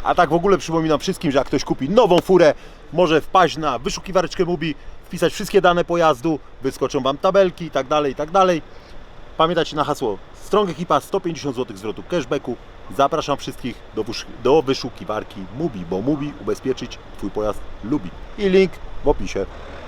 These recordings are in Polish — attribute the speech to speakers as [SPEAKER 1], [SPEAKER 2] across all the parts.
[SPEAKER 1] A tak w ogóle przypominam wszystkim, że jak ktoś kupi nową furę, może wpaść na wyszukiwareczkę Mubi, wpisać wszystkie dane pojazdu, wyskoczą Wam tabelki i tak dalej, i tak dalej. Pamiętajcie na hasło Strong Ekipa, 150 zł zwrotu cashbacku. Zapraszam wszystkich do wyszukiwarki Mubi, bo Mubi ubezpieczyć Twój pojazd lubi. I link w opisie.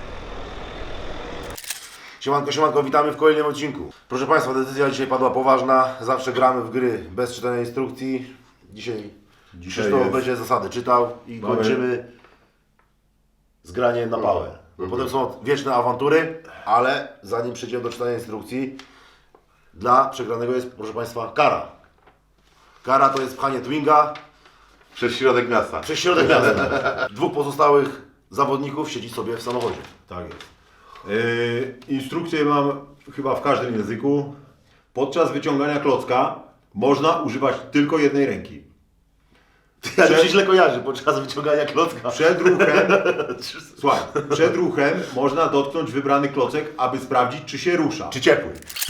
[SPEAKER 2] Siemanko, siemanko, witamy w kolejnym odcinku. Proszę Państwa, decyzja dzisiaj padła poważna. Zawsze gramy w gry bez czytania instrukcji. Dzisiaj Krzysztof będzie zasady czytał i kończymy z graniem na pałę. Potem są wieczne awantury, ale zanim przejdziemy do czytania instrukcji, dla przegranego jest, proszę Państwa, kara. Kara to jest pchanie Twinga
[SPEAKER 3] Przez środek miasta.
[SPEAKER 2] przez środek miasta. Dwóch pozostałych zawodników siedzi sobie w samochodzie.
[SPEAKER 1] Tak jest. Instrukcje mam chyba w każdym języku. Podczas wyciągania klocka można używać tylko jednej ręki.
[SPEAKER 2] Ja się źle kojarzy podczas wyciągania klocka.
[SPEAKER 1] Przed ruchem, słuchaj, przed ruchem można dotknąć wybrany klocek, aby sprawdzić, czy się rusza.
[SPEAKER 2] Czy ciepły?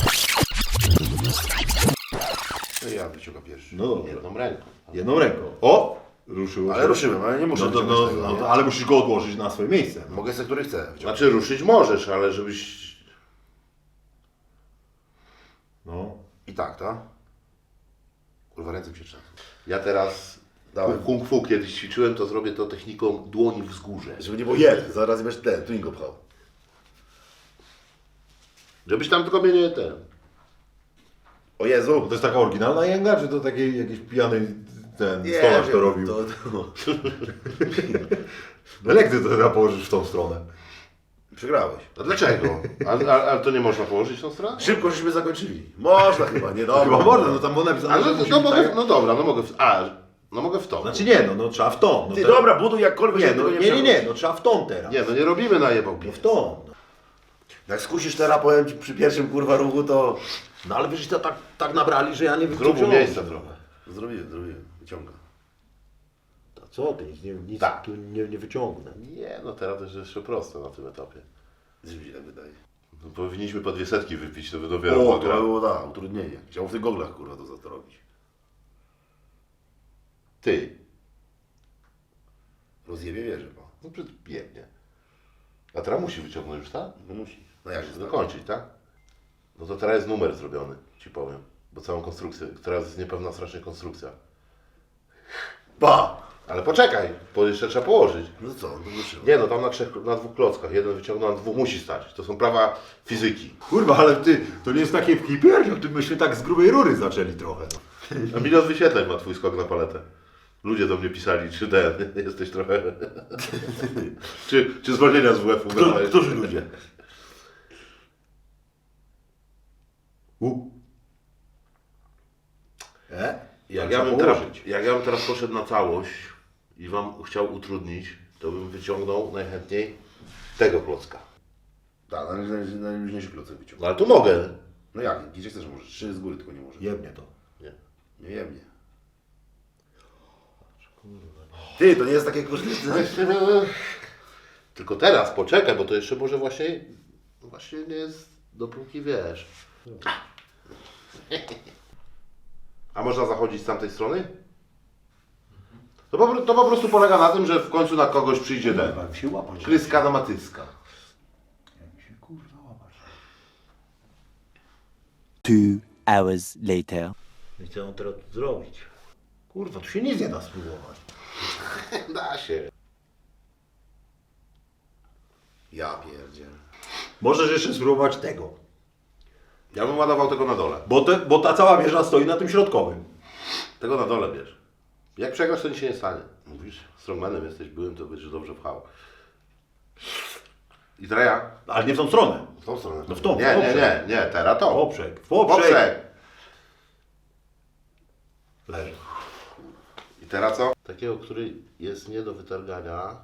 [SPEAKER 2] No ja wyciągam pierwszy.
[SPEAKER 1] No dobrze.
[SPEAKER 3] Jedną ręką.
[SPEAKER 1] Jedną ręką. O! Ruszyło się.
[SPEAKER 2] Ale ruszyłem, ale nie muszę wyciągać tego, nie?
[SPEAKER 1] ale musisz go odłożyć na swoje miejsce.
[SPEAKER 2] Mogę sobie, który chcę wyciągnąć.
[SPEAKER 3] Znaczy ruszyć możesz, ale żebyś...
[SPEAKER 1] No.
[SPEAKER 2] I tak, tak? Kurwa, ręce mi się trzęsą.
[SPEAKER 3] Ja teraz
[SPEAKER 2] Dawaj.
[SPEAKER 3] kung fu kiedyś ćwiczyłem, to zrobię to techniką dłoni wzgórze.
[SPEAKER 2] Żeby nie było jeden, zaraz będziesz ten, Twingo pchał.
[SPEAKER 3] Żebyś tam tylko mnie nie ten.
[SPEAKER 2] O Jezu!
[SPEAKER 1] To jest taka oryginalna jęga, czy to taki jakiś pijany ten stolarz to robił? No jak ty to teraz położysz w tą stronę?
[SPEAKER 2] Przegrałeś.
[SPEAKER 3] A dlaczego? Ale to nie można położyć tą stronę?
[SPEAKER 2] Szybko żeśmy zakończyli. Można chyba, nie dobra.
[SPEAKER 1] Chyba można, no tam było napisane,
[SPEAKER 3] Ale
[SPEAKER 1] że
[SPEAKER 3] no,
[SPEAKER 1] musi
[SPEAKER 3] no,
[SPEAKER 1] być
[SPEAKER 3] mogę,
[SPEAKER 1] tak.
[SPEAKER 3] no dobra, no mogę w... no mogę w to.
[SPEAKER 1] Znaczy nie, no trzeba w tą. No
[SPEAKER 2] Ty
[SPEAKER 1] te-
[SPEAKER 2] dobra, buduj jakkolwiek,
[SPEAKER 1] Nie,
[SPEAKER 2] żeby
[SPEAKER 1] no,
[SPEAKER 2] tego
[SPEAKER 1] nie,
[SPEAKER 2] przewrócić.
[SPEAKER 1] no trzeba w tą teraz.
[SPEAKER 3] Nie, no nie robimy najebał
[SPEAKER 1] No w tą. No.
[SPEAKER 2] Jak skusisz teraz, powiem Ci, przy pierwszym kurwa ruchu, to...
[SPEAKER 1] No ale wiesz, to tak nabrali, że ja nie wiem,
[SPEAKER 3] Zrób
[SPEAKER 1] co
[SPEAKER 3] miejsca
[SPEAKER 1] wziąłem.
[SPEAKER 3] trochę.
[SPEAKER 2] Zrobiłem, wyciągam.
[SPEAKER 1] A co ty, nic
[SPEAKER 3] Tak.
[SPEAKER 1] tu nie wyciągnę.
[SPEAKER 3] Nie, no teraz to jest jeszcze proste na tym etapie.
[SPEAKER 2] Coś mi się tak wydaje.
[SPEAKER 3] No, powinniśmy po 200 wypić, to by dopiero
[SPEAKER 2] O,
[SPEAKER 3] była
[SPEAKER 2] to
[SPEAKER 3] gra.
[SPEAKER 2] było, da, utrudnienie. Chciał w tych goglach, kurwa, to za to robić.
[SPEAKER 3] Ty.
[SPEAKER 2] Rozjebie wieżę, bo.
[SPEAKER 3] No biednie. A teraz musi wyciągnąć już, tak?
[SPEAKER 2] No musi. No jak się
[SPEAKER 3] Dokończyć, tak? No to teraz jest numer zrobiony, ci powiem. Bo całą konstrukcję, teraz jest niepewna strasznie konstrukcja.
[SPEAKER 2] Pa!
[SPEAKER 3] Ale poczekaj, bo jeszcze trzeba położyć.
[SPEAKER 2] No co, no wyszło.
[SPEAKER 3] Nie no, tam na dwóch klockach. Jeden wyciągnął, na dwóch musi stać. To są prawa fizyki.
[SPEAKER 1] Kurwa, ale ty, to nie jest takie hiper, ty myśmy tak z grubej rury zaczęli trochę. No.
[SPEAKER 3] A 1 000 000 wyświetleń ma twój skok na paletę. Ludzie do mnie pisali, czy jesteś trochę... czy zwolnienia z WF-u brałeś?
[SPEAKER 2] Którzy ludzie?
[SPEAKER 3] Jak
[SPEAKER 1] Trzeba
[SPEAKER 3] ja bym teraz poszedł na całość i Wam chciał utrudnić, to bym wyciągnął najchętniej tego klocka.
[SPEAKER 2] Tak, najluźniejszy klocek wyciągnął.
[SPEAKER 3] No ale tu mogę.
[SPEAKER 2] No jak, gdzie chcesz, może 3 z góry tylko nie może.
[SPEAKER 1] Jebnie to.
[SPEAKER 3] Nie.
[SPEAKER 2] Nie jebnie. Ty, to nie jest takie korzystne.
[SPEAKER 3] Tylko teraz poczekaj, bo to jeszcze może właśnie nie jest dopóki wiesz. A można zachodzić z tamtej strony? To po prostu polega na tym, że w końcu na kogoś przyjdzie ten.
[SPEAKER 1] Jak się łapać.
[SPEAKER 3] Kryska na matycka.
[SPEAKER 1] Jak się kurwa łapać.
[SPEAKER 4] 2 hours later.
[SPEAKER 1] I co on teraz tu zrobić? Kurwa, tu się nic nie da spróbować.
[SPEAKER 3] Da się.
[SPEAKER 2] Ja pierdziel.
[SPEAKER 1] Możesz jeszcze spróbować tego.
[SPEAKER 3] Ja bym ładował tego na dole.
[SPEAKER 1] Bo ta cała wieża stoi na tym środkowym.
[SPEAKER 3] Tego na dole bierz. Jak przegrasz, to nic się nie stanie. Mówisz, strongmanem jesteś, byłem, to będziesz dobrze pchał. I teraz ja.
[SPEAKER 1] Ale nie w tą stronę.
[SPEAKER 2] W tą stronę.
[SPEAKER 1] No w tą,
[SPEAKER 3] Nie, teraz to.
[SPEAKER 1] Poprzek.
[SPEAKER 3] Poprzek.
[SPEAKER 1] Leży.
[SPEAKER 3] I teraz co? Takiego, który jest nie do wytargania.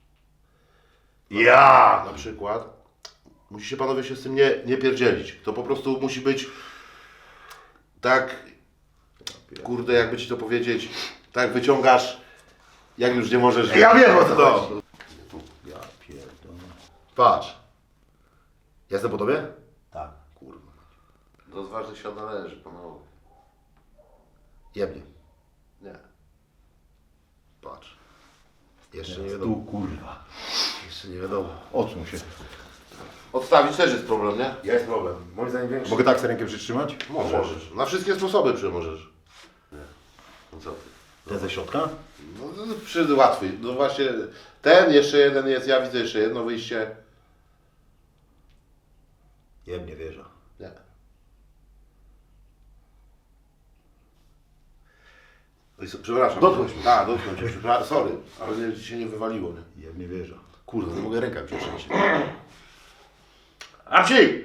[SPEAKER 2] Ja!
[SPEAKER 3] Na przykład. Musicie panowie się z tym nie pierdzielić. To po prostu musi być tak, kurde, jakby ci to powiedzieć, tak wyciągasz, jak już nie możesz.
[SPEAKER 2] Ja wiem o co chodzi.
[SPEAKER 1] Ja pierdolę.
[SPEAKER 2] Patrz. Ja jestem po tobie?
[SPEAKER 1] Tak.
[SPEAKER 2] Kurwa.
[SPEAKER 3] Do zważnych się należy, panowie.
[SPEAKER 2] Jebnie.
[SPEAKER 3] Nie.
[SPEAKER 2] Jeszcze nie wiadomo.
[SPEAKER 1] Tu kurwa.
[SPEAKER 2] Jeszcze nie wiadomo.
[SPEAKER 1] Odsuń się.
[SPEAKER 3] Odstawić też jest problem, nie?
[SPEAKER 2] Jest problem. Moim zdaniem większy.
[SPEAKER 1] Mogę tak sobie rękę przytrzymać?
[SPEAKER 3] Możesz. Na wszystkie sposoby możesz. Nie. No co ty?
[SPEAKER 1] Te ze środka?
[SPEAKER 3] No, łatwiej. No właśnie ten, jeszcze jeden jest, ja widzę jeszcze jedno wyjście.
[SPEAKER 2] Jebnie wieża.
[SPEAKER 3] Nie. Oj, przepraszam.
[SPEAKER 2] Dotknąć mnie.
[SPEAKER 3] Tak, dotknąć cię, przepraszam. Sorry, ale nie, ci się nie wywaliło, nie?
[SPEAKER 1] Jebnie wieża.
[SPEAKER 2] Kurde, nie mogę rękami przetrzeć.
[SPEAKER 3] A wsi!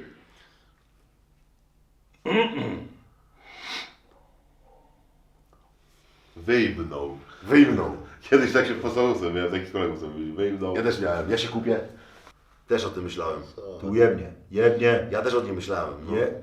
[SPEAKER 3] Wyjmnął.
[SPEAKER 2] Wyjmnął.
[SPEAKER 3] Kiedyś tak się postawił sobie, miałem takich kolegów, co mówili, wyjmnął.
[SPEAKER 2] Ja też miałem. Ja się kupię. Też o tym myślałem.
[SPEAKER 1] Tu jebnie. Jebnie.
[SPEAKER 2] Ja też o tym myślałem. No.
[SPEAKER 1] Je...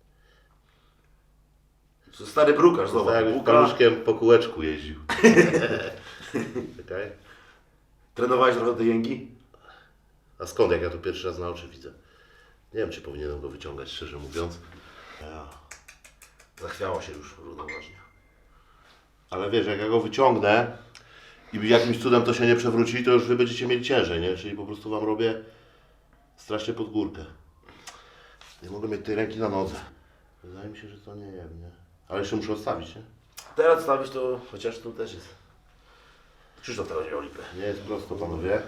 [SPEAKER 2] To stary brukarz,
[SPEAKER 3] Tak
[SPEAKER 2] zobacz.
[SPEAKER 3] jakbyś
[SPEAKER 2] Buka.
[SPEAKER 3] paluszkiem po kółeczku jeździł. Czekaj.
[SPEAKER 2] Trenowałeś trochę te jęki?
[SPEAKER 3] A skąd, jak ja tu pierwszy raz na oczy widzę? Nie wiem, czy powinienem go wyciągać, szczerze mówiąc.
[SPEAKER 2] Zachwiało się już równoważnie.
[SPEAKER 3] Ale wiesz, jak ja go wyciągnę i jakimś cudem to się nie przewróci, to już wy będziecie mieli ciężej, nie? Czyli po prostu wam robię strasznie pod górkę. Nie mogę mieć tej ręki na nodze. Wydaje mi się, że to nie wiem, nie? Ale jeszcze muszę odstawić, nie?
[SPEAKER 2] Teraz stawić to, chociaż tu też jest. Krzysztof teraz wziął lipę.
[SPEAKER 3] Nie jest prosto, panowie.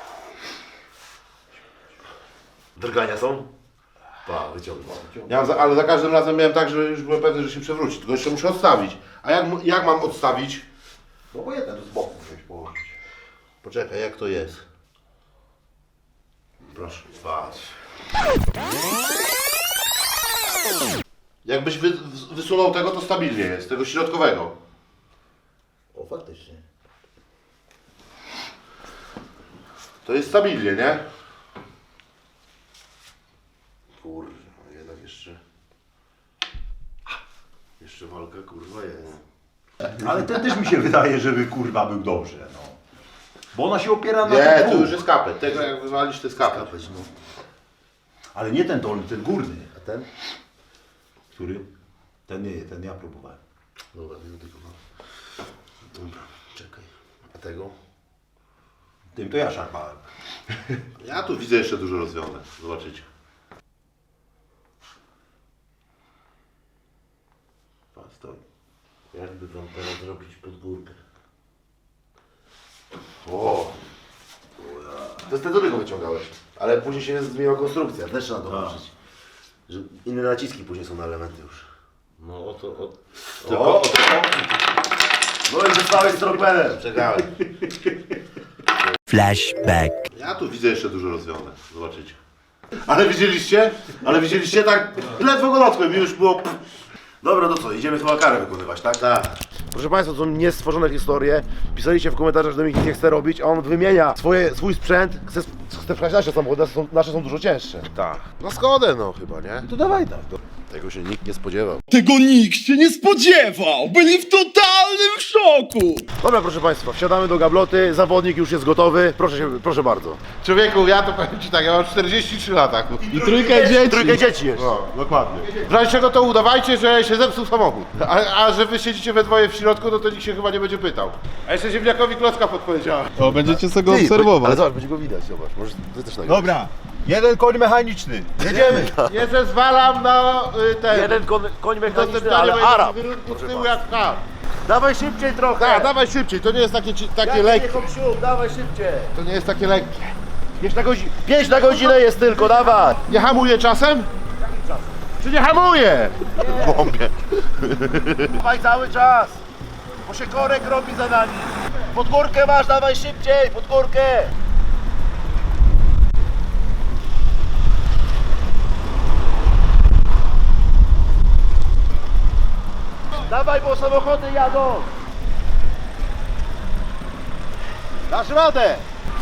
[SPEAKER 2] Drgania są? Pa, wyciągnął.
[SPEAKER 3] Ale za każdym razem miałem tak, że już byłem pewny, że się przewróci. Tylko jeszcze muszę odstawić. A jak mam odstawić?
[SPEAKER 1] No bo jeden z boku musisz położyć.
[SPEAKER 3] Poczekaj, jak to jest?
[SPEAKER 2] Proszę. Patrz.
[SPEAKER 3] Jakbyś wysunął tego, to stabilnie jest, tego środkowego.
[SPEAKER 2] O, faktycznie.
[SPEAKER 3] To jest stabilnie, nie?
[SPEAKER 2] Kurwa, jednak jeszcze... Jeszcze walka, kurwa, jest.
[SPEAKER 1] Ale ten też mi się wydaje, żeby kurwa był dobrze, no. Bo ona się opiera na
[SPEAKER 3] Nie,
[SPEAKER 1] tych
[SPEAKER 3] tu
[SPEAKER 1] dwóch.
[SPEAKER 3] już jest kapet. Tego jak wywalisz, to jest kapet.
[SPEAKER 2] Kapeć, no.
[SPEAKER 1] Ale nie ten dolny, ten górny.
[SPEAKER 2] A ten?
[SPEAKER 1] Który? Ten nie, ten ja próbowałem.
[SPEAKER 2] Dobra, nie dotykam. Dobra, czekaj. A tego?
[SPEAKER 1] Tym to ja szarpałem.
[SPEAKER 3] Ja tu widzę jeszcze dużo rozwiązań. Zobaczycie.
[SPEAKER 1] Pan stoi.
[SPEAKER 3] Jakby wam teraz zrobić pod górkę.
[SPEAKER 2] O! To jest ten, do tego wyciągałeś. Ale później się zmieniła konstrukcja, też trzeba to patrzeć. Że inne naciski później są na elementy już.
[SPEAKER 3] No oto.
[SPEAKER 2] O! No i zostałeś z torpedem.
[SPEAKER 3] Czekałem.
[SPEAKER 4] Flashback.
[SPEAKER 3] Ja tu widzę jeszcze dużo rozwiązań. Zobaczycie. Ale widzieliście? Ale widzieliście tak? Ledwo go dotknąłem i już było.
[SPEAKER 2] Dobra, to co? Idziemy chyba karę wykonywać, tak?
[SPEAKER 3] Tak.
[SPEAKER 2] Proszę Państwa, to są niestworzone historie. Pisaliście w komentarzach, że Dominik nie chce robić, a on wymienia swój sprzęt. Chce pchać nasze samochody, nasze są dużo cięższe.
[SPEAKER 3] Tak. Na Skodę no chyba, nie?
[SPEAKER 2] To dawaj tak. Tego się nikt nie spodziewał.
[SPEAKER 5] Tego nikt się nie spodziewał! Byli w totalnym szoku!
[SPEAKER 2] Dobra, proszę Państwa, wsiadamy do gabloty, zawodnik już jest gotowy. Proszę bardzo.
[SPEAKER 3] Człowieku, ja to powiem Ci tak, ja mam 43 lata.
[SPEAKER 5] I trójkę dzieci!
[SPEAKER 2] Trójkę dzieci jest.
[SPEAKER 3] No, dokładnie. W razie czego to udawajcie, że się zepsuł samochód. A że wy siedzicie we dwoje w środku, no to nikt się chyba nie będzie pytał. A jeszcze ziemniakowi klocka podpowiedziała.
[SPEAKER 5] O, będziecie sobie go
[SPEAKER 2] Ale
[SPEAKER 5] obserwować.
[SPEAKER 2] zobacz, będzie go widać, zobacz. Może ty też nagrasz.
[SPEAKER 1] Dobra, jeden koń mechaniczny. Jedziemy.
[SPEAKER 3] Nie zezwalam na ten...
[SPEAKER 2] Jeden koń mechaniczny,
[SPEAKER 3] udostępnianie
[SPEAKER 2] ale
[SPEAKER 3] mojego
[SPEAKER 2] Arab.
[SPEAKER 3] wyrunku z tyłu jak kar.
[SPEAKER 2] Dawaj szybciej trochę.
[SPEAKER 3] Tak, dawaj szybciej, to nie jest takie lekkie.
[SPEAKER 2] Hopsiu, dawaj szybciej.
[SPEAKER 3] To nie jest takie lekkie.
[SPEAKER 2] 5 na godzinę jest tylko, dawaj.
[SPEAKER 3] Nie hamuje czasem? Czy nie hamuje? Bombie.
[SPEAKER 2] Dawaj cały czas. Bo się korek robi za nami. Pod górkę masz, dawaj szybciej, pod górkę. Dawaj, bo samochody jadą. Dasz radę.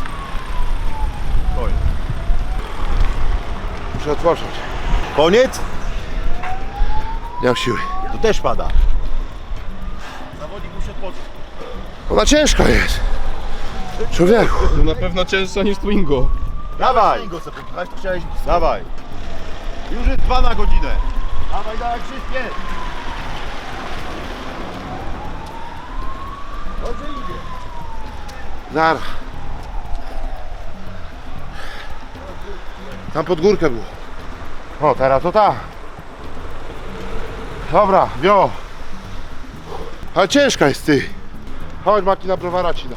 [SPEAKER 3] Muszę odpocząć.
[SPEAKER 1] Koniec?
[SPEAKER 3] Nie mam siły.
[SPEAKER 1] To też pada.
[SPEAKER 2] Zawodnik musi odpocząć.
[SPEAKER 3] Ona ciężka jest. Człowieku.
[SPEAKER 5] To na pewno cięższa niż Twingo.
[SPEAKER 1] Dawaj.
[SPEAKER 2] Go sobie popchać, to chciałeś...
[SPEAKER 1] Dawaj. Już jest 2 na godzinę.
[SPEAKER 2] Dawaj, dawaj, wszystkie.
[SPEAKER 3] Zaraz. Tam pod górkę było. O, teraz to ta. Dobra, wio. Ale ciężka jest ty. Chodź Maki, na browara ci da.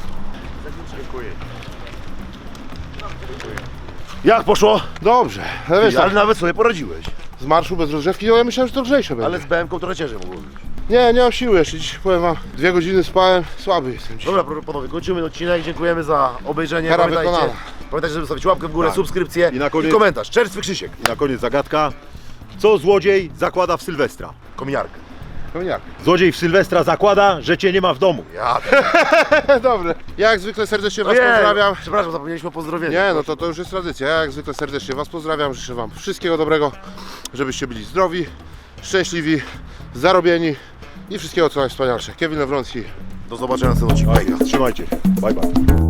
[SPEAKER 2] Jak poszło?
[SPEAKER 3] Dobrze, ale wiesz,
[SPEAKER 2] Ale
[SPEAKER 3] tak,
[SPEAKER 2] nawet sobie poradziłeś.
[SPEAKER 3] z marszu bez rozgrzewki, no ja myślałem, że to lżejsze będzie.
[SPEAKER 2] Ale z BM-ką trochę ciężej mogło być.
[SPEAKER 3] Nie mam siły jeszcze, dziś powiem wam, 2 godziny spałem, słaby jestem dzisiaj.
[SPEAKER 2] Dobra, panowie, kończymy odcinek. Dziękujemy za obejrzenie.
[SPEAKER 3] Kara
[SPEAKER 2] Pamiętajcie,
[SPEAKER 3] wykonana.
[SPEAKER 2] pamiętajcie, żeby zostawić łapkę w górę, subskrypcję
[SPEAKER 1] I na koniec-
[SPEAKER 2] komentarz. Czerstwy Krzysiek.
[SPEAKER 1] I na koniec zagadka. Co złodziej zakłada w Sylwestra?
[SPEAKER 2] Kominiarkę.
[SPEAKER 3] Koniak.
[SPEAKER 1] Złodziej w Sylwestra zakłada, że cię nie ma w domu.
[SPEAKER 2] Ja
[SPEAKER 3] Dobre. Ja jak zwykle serdecznie was
[SPEAKER 2] Ojej,
[SPEAKER 3] pozdrawiam.
[SPEAKER 2] Przepraszam, zapomnieliśmy o pozdrowieniu.
[SPEAKER 3] Nie, no to już jest tradycja. Ja jak zwykle serdecznie was pozdrawiam. Życzę wam wszystkiego dobrego, żebyście byli zdrowi, szczęśliwi, zarobieni i wszystkiego co najwspanialsze. Kevin Lewroński.
[SPEAKER 2] Do zobaczenia na następnym odcinku.
[SPEAKER 1] Trzymajcie się. Bye bye.